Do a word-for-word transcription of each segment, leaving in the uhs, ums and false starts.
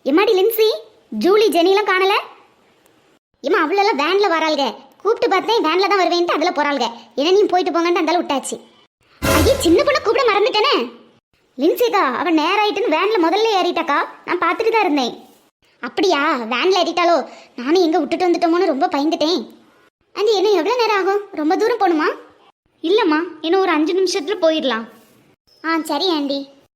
எம்மாடி லின்சி, ஜூலி, ஜெனிலாம் காணல. ஏமா அவ்வளோலாம் வேனில் வராளுங்க. கூப்பிட்டு பார்த்தேன் வேனில் தான் வருவேன்ட்டு அதில் போகிறாளுங்க. என்ன நீ போயிட்டு போங்கன்ட்டு அந்தாலும் விட்டாச்சு. ஐயே, சின்ன பொண்ணை கூப்பிட மறந்துட்டேனே. லின்சிக்கா அவன் நேரம் ஆயிட்டுன்னு வேனில் முதல்ல ஏறிட்டாக்கா. நான் பார்த்துட்டு தான் இருந்தேன். அப்படியா, வேனில் ஏறிட்டாலோ? நானும் எங்கே விட்டுட்டு வந்துட்டோமோன்னு ரொம்ப பயந்துட்டேன். ஆண்டி, என்ன எவ்வளோ நேரம் ஆகும்? ரொம்ப தூரம் போகணுமா? இல்லைம்மா, இன்னும் ஒரு அஞ்சு நிமிஷத்தில் போயிடலாம். ஆ சரி ஆண்டி.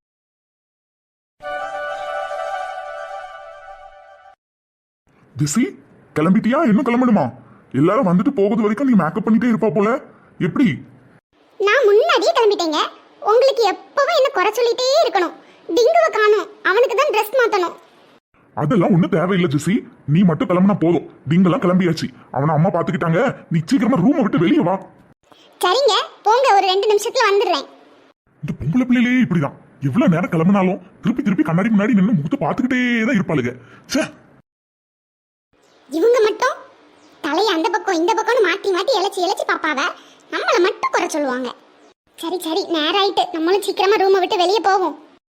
திசி, கிளம்பிட்டியா? இன்னும் கிளம்பணுமா? எல்லாரும் வந்துட்டு போகுது வரைக்கும் நீ மேக்கப் பண்ணிட்டே இருப்பா போல. எப்படி? நான் முன்னாடியே கிளம்பிட்டேங்க. உங்களுக்கு எப்பவும் என்ன குறை சொல்லிட்டே இருக்கணும். டிங்குவை காணும், அவனுக்கு தான் ட்ரெஸ் மாத்தணும். அதெல்லாம் ஒன்றும் தேவையில்லை ஜெசி, நீ மட்டும் கிளம்புனா போதும். டிங்கெல்லாம் கிளம்பியாச்சு, அவனை அம்மா பார்த்துக்கிட்டாங்க. நீ சீக்கிரமா ரூமை விட்டு வெளியே வா. சரிங்க, போங்க, ஒரு ரெண்டு நிமிஷத்துல வந்துடுறேன். இந்த பொம்பளை பிள்ளையிலே இப்படிதான், எவ்வளவு நேரம் கிளம்பினாலும் திருப்பி திருப்பி கண்ணாடி முன்னாடி நின்று முகத்தை பார்த்துக்கிட்டே தான் இருப்பாளுங்க. சே, இவங்க மட்டும் தலையை அந்த பக்கம் இந்த பக்கம்னு மாற்றி மாற்றி இழைச்சி இழைச்சி பாப்பாவ, நம்மளை மட்டும் குறை சொல்லுவாங்க. சரி சரி, நேரம் ஆயிட்டு, நம்மளும் சீக்கிரமா ரூமை விட்டு வெளியே போவோம்.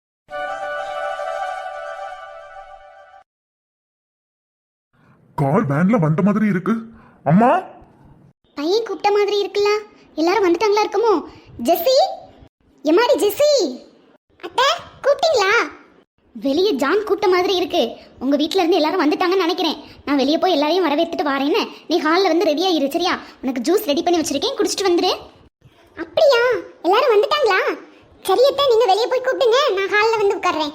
கார் வேன்ல வந்த மாதிரி இருக்கு. அம்மா, பையன் கூப்பிட்ட மாதிரி இருக்குல்ல. எல்லாரும் வந்துட்டாங்களா இருக்குமோ? ஜெசி, எம்மாடி ஜெசி. அத்தை, கூப்பிட்டீங்களா? வெளியே ஜான் கூப்பிட்ட மாதிரி இருக்கு. உங்க வீட்ல இருந்து எல்லாரும் வந்துட்டாங்கன்னு நினைக்கிறேன். நான் வெளியே போய் எல்லாரையும் வரவேற்றுட்டு வரேன்னு. நீ ஹாலில் வந்து ரெடியா இரு, சரியா? உனக்கு ஜூஸ் ரெடி பண்ணி வச்சிருக்கேன், குடிச்சிட்டு வந்துரு. அப்படியா, எல்லாரும் வந்துட்டாங்களா? சரியத்தா, நீங்க வெளியே போய் கூப்பிடுங்க, நான் ஹாலில் வந்து உட்கார்றேன்.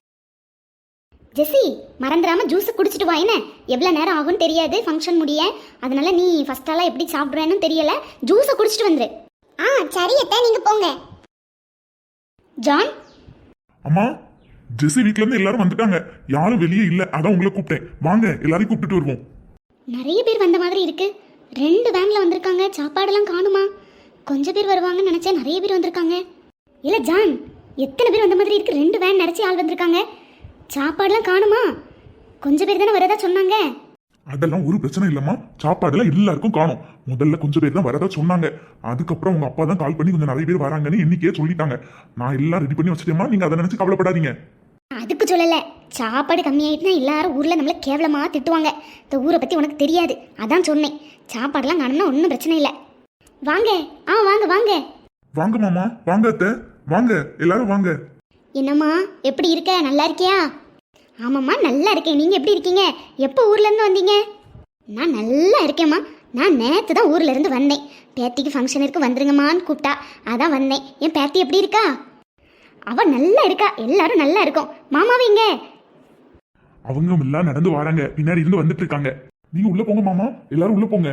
ஜெசி, மறந்துடாம ஜூஸ் குடிச்சிட்டு வா. என்ன எவ்வளோ நேரம் ஆகும்னு தெரியாது ஃபங்க்ஷன் முடிய. அதனால நீ ஃபர்ஸ்டாலாம் எப்படி சாப்பிடுவேன்னு தெரியல, ஜூஸை குடிச்சிட்டு வந்துரு. ஆ சரியத்தா, நீங்க போங்க. ஜான். அம்மா, ஜெசி வீட்ல இருந்து எல்லாரும் வந்துட்டாங்க. யாரும் வெளியே இல்ல, அதான் உங்களை கூப்பிட்டேன். வாங்க, எல்லாரையும் கூப்பிட்டுட்டு வருவோம். நிறைய பேர் வந்த மாதிரி இருக்கு. ரெண்டு வேன்ல வந்திருக்காங்க. சாப்பாடெல்லாம் காணுமா? கொஞ்சம் பேர் வருவாங்கன்னு நினைச்சேன், நிறைய பேர் வந்திருக்காங்க. இல்ல ஜான், எத்தனை பேர் வந்த மாதிரி இருக்கு? ரெண்டு வேன் நிறைச்சி ஆள் வந்திருக்காங்க. சாப்பாடுலாம் காணுமா? கொஞ்சம் பேர் தானே வரதா சொன்னாங்க. அதெல்லாம் ஒரு பிரச்சனை இல்லம்மா, சாப்பாடுலாம் எல்லாருக்கும் காணும். முதல்ல கொஞ்சம் பேர் தான் வரதா சொன்னாங்க. அதுக்கப்புறம் உங்க அப்பா தான் கால் பண்ணி கொஞ்சம் நிறைய பேர் வராங்கன்னு எண்ணிக்கையே சொல்லிட்டாங்க. நான் எல்லாம் ரெடி பண்ணி வச்சிட்டேமா, நீங்க அதை நினைச்சு கவலைப்படாதீங்க. அதுக்கு சொல்லல, சாப்பாடு கம்மியாயிட்டுனா எல்லாரும் ஊர்ல நம்மள கேவலமா திட்டுவாங்க. இந்த ஊரை பத்தி உனக்கு தெரியாது, அதான் சொன்னேன். சாப்பாடுலாம் காணும்னா ஒன்றும் பிரச்சனை இல்லை. வாங்க. ஆ வாங்க வாங்க வாங்க மாமா, வாங்க அத்தை, வாங்க எல்லாரும் வாங்க. என்னம்மா, எப்படி இருக்க? நல்லா இருக்கியா? ஆமாம்மா, நல்லா இருக்கேன். நீங்கள் எப்படி இருக்கீங்க? எப்போ ஊர்லேருந்து வந்தீங்க? நான் நல்லா இருக்கேம்மா. நான் நேற்று தான் ஊர்லேருந்து வந்தேன். பேத்திக்கு ஃபங்க்ஷன் இருக்கு, வந்துருங்கம்மான்னு கூப்பிட்டா, அதான் வந்தேன். என் பேத்தி எப்படி இருக்கா? அவள் நல்லா இருக்கா, எல்லாரும் நல்லா இருக்கோம். மாமாவிங்க அவங்க எல்லாம் நடந்து வராங்க, பின்னாடி இருந்து வந்துட்டு இருக்காங்க. நீங்க உள்ள போங்க மாமா, எல்லாரும் உள்ள போங்க.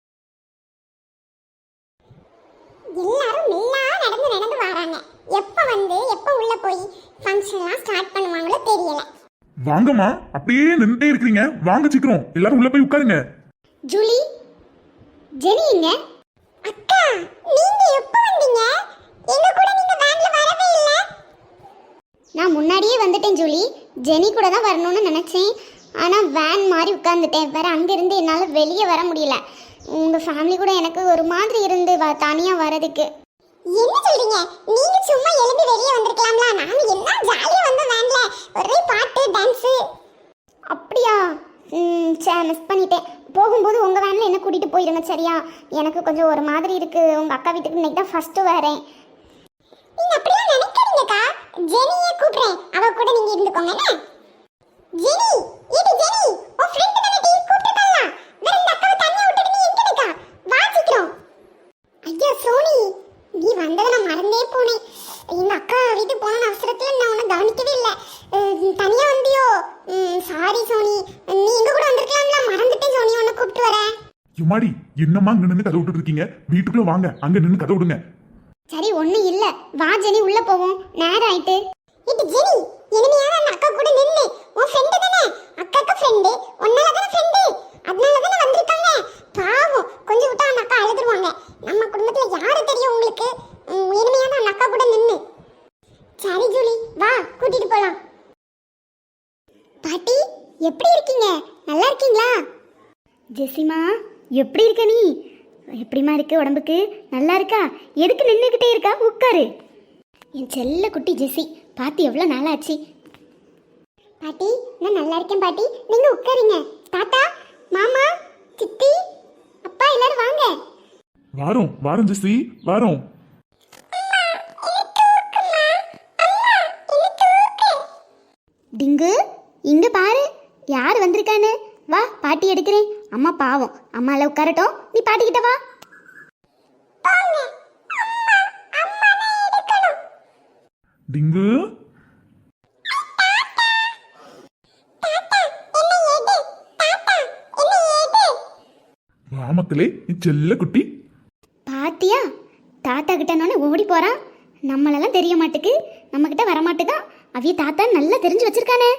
எல்லாரும் மெல்லா நடந்து நடந்து வராங்க. எப்போ வந்து எப்போ உள்ள போய் ஃபங்க்ஷன்லாம் ஸ்டார்ட் பண்ணுவாங்களோ தெரியல. வாங்கம்மா, அப்படியே நின்றுட்டே இருக்கீங்க, வாங்க சீக்கிரம் எல்லாரும் உள்ள போய் உட்காருங்க. ஜூலி, ஜெனி எங்க? அக்கா, நீங்க எப்போ வந்தீங்க? எங்க கூட நீங்க வேன்ல வரவே இல்ல. நான் முன்னாடியே வந்துட்டேன் ஜூலி. ஜெனி கூட தான் வரணும்னு நினைச்சேன். ஆனா வேன் மாதிரி உட்கார்ந்துட்டேன். வேற அங்க இருந்து என்னால வெளியே வர முடியல. உங்க ஃபேமிலி கூட எனக்கு ஒரு மாதிரி இருந்து தனியா வரதுக்கு. என்ன சொல்றீங்க? நீங்க சும்மா எழுந்து வெளியே வந்திருக்கலாம்ல. நாங்க எல்லாம் ஜாலியா வந்த வேன்ல ஒரே பாட்டு டான்ஸ். அப்படியா? ம் சரி, மிஸ் பண்ணிட்டேன். போகும்போது உங்க வேன்ல என்ன கூட்டிட்டு போயிருங்க, சரியா? எனக்கு கொஞ்சம் ஒரு மாதிரி இருக்கு. உங்க அக்கா வீட்டுக்கு இன்னைக்கு தான் ஃபர்ஸ்ட் வரேன். நீங்க அப்படியே நினைக்கிறீங்கக்கா. ஜெனியை கூப்பிடுறேன், அவ கூட நீங்க இருந்துக்கோங்க. ஜெனி, இது ஜெனி, உன் ஃப்ரெண்ட் தானே டீ கூப்பிட்டுட்டாளா? வேற இந்த அக்காவை தனியா விட்டுட்டு நீ எங்க இருக்கா? வா சீக்கிரம். ஐயா சோனி, நீ வந்ததை நான் மறந்தே போனேன். எங்க அக்கா வீட்டுக்கு போன அவசரத்துல நான் உன்னை கவனிக்கவே இல்லை. தனியா வந்தியோ? சாரி சோனி, நீ எங்க கூட வந்திருக்கலாம்ல, மறந்துட்டேன் சோனி, உன்னை கூப்பிட்டு வரேன். யுமாடி, என்னம்மா அங்க நின்று கதை விட்டுட்டு இருக்கீங்க? வீட்டுக்குள்ள வாங்க, அங்க நின்று கதை விடுங்க. சரி, ஒன்றும் இல்லை, வா ஜெனி, உள்ள போவோம், நேரம் ஆயிட்டு. இது ஜெனி, இனிமையான அந்த அக்கா கூட நின்று. உன் ஃப்ரெண்டு தானே? அக்காக்கு ஃப்ரெண்டு, உன்னால தானே ஃப்ரெண்டு, அதனால தானே வந்திருக்காங்க. பாவம், கொஞ்சம் விட்டா அந்த அக்கா அழுதுருவாங்க. நம்ம குடும்பத்துல யாரு தெரியும் உங்களுக்கு? இனிமையான அந்த அக்கா கூட நின்று. சரி ஜூலி, வா, கூட்டிட்டு போலாம். பாட்டி, எப்படி இருக்கீங்க? நல்லா இருக்கீங்களா? ஜெசிமா, எப்படி இருக்க நீ? எப்படிமா இருக்கு உடம்புக்கு? நல்லா இருக்கா? எதுக்கு நின்றுக்கிட்டே இருக்கா? உட்காரு. என் செல்ல குட்டி ஜெசி, பார்த்து எவ்வளோ நாளாச்சு. பாட்டி நான் நல்லா இருக்கேன் பாட்டி, நீங்க உட்காருங்க. தாத்தா, மாமா, சித்தி, அப்பா எல்லாரும் வாங்க. வாரோம் வாரோம் ஜெசி வாரோம். டிங்கு, இங்க பாரு யார் வந்திருக்கான்னு. வா பாட்டி எடுக்கிறேன். அம்மா பாவம், அம்மால உட்காரட்டும், நீ பாட்டிக்கிட்ட வா. டிங்கு வாமக்களே, நீ செல்ல குட்டி. பாத்தியா, தாத்தா கிட்டனோடனே ஓடி போறான். நம்மளெல்லாம் தெரிய மாட்டுக்கு, நம்ம கிட்ட வர மாட்டுதான். அவிய தாத்தா நல்லா தெரிஞ்சு வச்சிருக்கானே.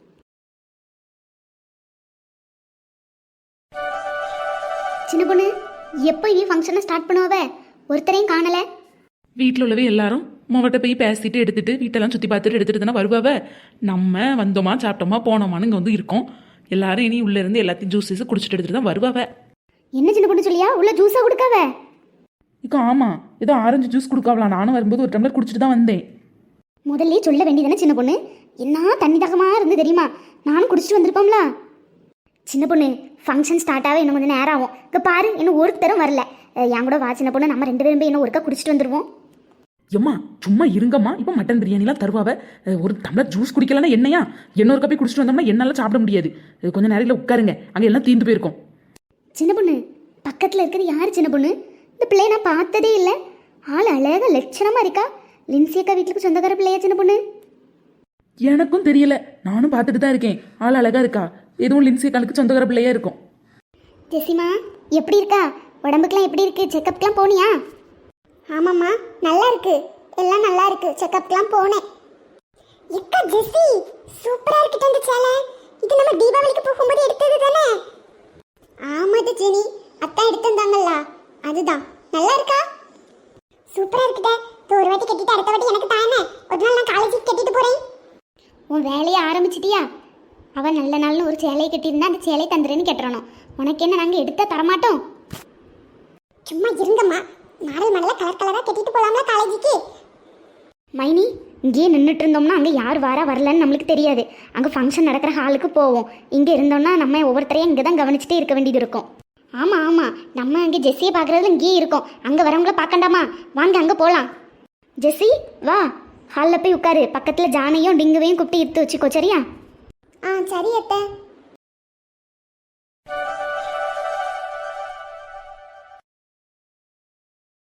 சின்ன பொண்ணு, எப்போ இனி ஃபங்க்ஷனை ஸ்டார்ட் பண்ணுவ? ஒருத்தரையும் காணல. வீட்டில் உள்ளவே எல்லாரும் உமாவட்ட போய் பேசிட்டு எடுத்துட்டு வீட்டெல்லாம் சுற்றி பார்த்துட்டு எடுத்துட்டு தானே வருவாவ. நம்ம வந்தோமா சாப்பிட்டோமா போனோமான்னு இங்கே வந்து இருக்கோம். எல்லாரும் இனி உள்ளே இருந்து எல்லாத்தையும் ஜூஸஸ் குடிச்சிட்டு எடுத்துட்டு தான் வருவாவ. என்ன சின்ன பொண்ணு சொல்லியா, உள்ள ஜூஸா கொடுக்காவ? இப்போ ஆமாம், ஏதோ ஆரஞ்சு ஜூஸ் கொடுக்காவலாம். நானும் வரும்போது ஒரு டம்ளர் குடிச்சிட்டு தான் வந்தேன். முதல்ல சொல்ல வேண்டியதானே சின்ன பொண்ணு, என்ன தண்ணி தாகமா இருந்து தெரியுமா? நானும் குடிச்சிட்டு வந்திருப்போம்ல. சின்ன பொண்ணு, ஃபங்க்ஷன் ஸ்டார்ட் ஆக இன்னும் கொஞ்சம் நேரம் ஆகும். இங்கே பாரு, இன்னும் ஒருத்தரும் வரல. என் கூட வா சின்ன பொண்ணு, நம்ம ரெண்டு பேரும் போய் இன்னும் ஒருக்கா குடிச்சிட்டு வந்துருவோம். எம்மா சும்மா இருங்கம்மா, இப்போ மட்டன் பிரியாணிலாம் தருவாவ. ஒரு டம்ளர் ஜூஸ் குடிக்கலன்னா என்னையா இன்னொரு கப்பி குடிச்சிட்டு வந்தோம்னா என்னால் சாப்பிட முடியாது. கொஞ்சம் நேரத்தில் உட்காருங்க, அங்கே எல்லாம் தீர்ந்து போயிருக்கோம். சின்ன பொண்ணு, பக்கத்தில் இருக்கிறது யார் சின்ன பொண்ணு? இந்த பிள்ளைய நான் பார்த்ததே இல்லை. ஆள் அழகாக லட்சணமாக இருக்கா. லின்சியக்கா வீட்டுக்கு சொந்தக்கார பிள்ளையா சின்ன பொண்ணு? எனக்கும் தெரியல, நானும் பார்த்துட்டு தான் இருக்கேன். ஆள் அழகா இருக்கா, எதுவும் லின்சியக்காளுக்கு சொந்தக்கார பிள்ளையா இருக்கும். ஜெசிமா எப்படி இருக்கா? உடம்புக்குலாம் எப்படி இருக்கு? செக்கப்லாம் போனியா? ஆமாம்மா, நல்லா இருக்கு, எல்லாம் நல்லா இருக்கு. செக்கப்லாம் போனேன். எக்கா ஜெசி, சூப்பரா இருக்கு இந்த சேலை. இது நம்ம தீபாவளிக்கு போகும்போது எடுத்தது தானே? ஆமாது ஜெனி, அத்தா எடுத்திருந்தாங்கல்ல, அதுதான். நல்லா இருக்கா? சூப்பரா இருக்குடா. ஒரு வாட்டி கட்டிட்டு அடுத்த வாட்டி எனக்கு தானே. ஒரு நாள் நான் காலேஜுக்கு கட்டிட்டு போறேன். உன் வேலையை ஆரம்பிச்சிட்டியா? அவன் நல்ல நாள்னு ஒரு சேலையை கட்டியிருந்தா அந்த சேலையை தந்துடுன்னு கேட்டுறணும். உனக்கு என்ன, நாங்கள் எடுத்தா தரமாட்டோம். சும்மா இருங்கம்மா, மாடல் மாடலாக கலர் கலராக கட்டிட்டு போகலாம்ல காலேஜுக்கு. மைனி, இங்கேயே நின்றுட்டு இருந்தோம்னா அங்கே யார் வாரா வரலன்னு நம்மளுக்கு தெரியாது. அங்கே ஃபங்க்ஷன் நடக்கிற ஹாலுக்கு போவோம். இங்கே இருந்தோம்னா நம்ம ஒவ்வொருத்தரையும் இங்கே தான் கவனிச்சுட்டே இருக்க வேண்டியது இருக்கும். ஆமாம் ஆமாம், நம்ம அங்கே ஜெஸ்ஸியை பார்க்குறதுல இங்கேயே இருக்கோம். அங்கே வரவங்கள பார்க்கண்டாமா? வாங்க அங்கே போகலாம். ஜெஸ்ஸி வா, ஹாலில் போய் உட்காரு. பக்கத்தில் ஜானையும் டிங்குவையும் கூப்பிட்டு இழுத்து வச்சுக்கோ, சரியா? ஆ சரி அத்தை.